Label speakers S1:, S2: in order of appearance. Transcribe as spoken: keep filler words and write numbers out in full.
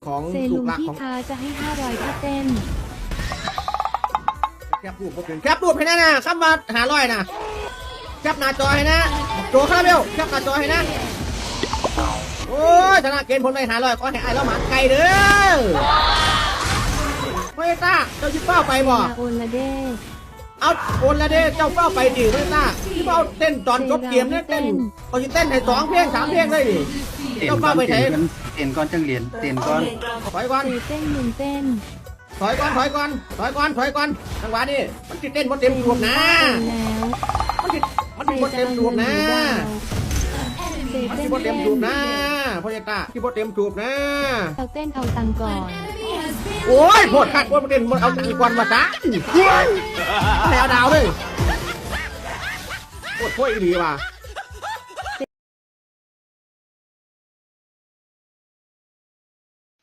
S1: ของ
S2: เซ
S1: ลู
S2: ลุ
S1: ก
S2: ง
S1: หลัก
S2: พี่
S1: ของ
S2: ค้าจะให้ห้าร้อยถ้าเต้น
S1: แคปรูปผมถึงแคปรูปให้นะนะข้ามมาหาร้อยนะแคปหน้าจอให้นะโจคาราเบลแคปหน้าจอให้นะโอ้ยชนะเกณฑ์ผลไปหาร้อยก็ให้ไอ้แล้วหมาไก่เด้อเฮ้ยตาเจ้าชิเป้าไปบ่
S2: โอนละเด้
S1: เอาโอนละเด้เจ้าเป้าไปดิเฮ้ยตาที่เป้าเต้นตอนจบเกมเนี่ยเต้นเขาจะเต้นให้สองเพลงสามเพลงเลยดิ
S3: เต้น
S1: เจ้า
S3: ก่อ
S1: เป้าน ไปไหน
S3: เต้นก่อนเต้นก่อนจังเหรียญเต้นก่อน
S1: ถอยก่อน
S2: เซเต้นมึงเต้น
S1: ถอยก่อนถอยก่อนถอยก่อนถอยก่อนจังหวะนี้มันติดเต้นบนเต็มรวมนะ
S2: โอนแล้ว
S1: มันติดมันติดบนเต็มรวมนะ
S2: เซ
S1: มัน
S2: เต้
S1: ติ
S2: น
S1: ดบนเต็มรวมนะพ่อใหญ่ตาที่บนเต็มรวมนะ
S2: เอาเต้นเอาตังก่อน
S1: โอ้ยโพดขัดโพดเต้นมันเอาตังก่อนมาซะให้เอาดาวเลยโคตรโคตรอีดีว่ะ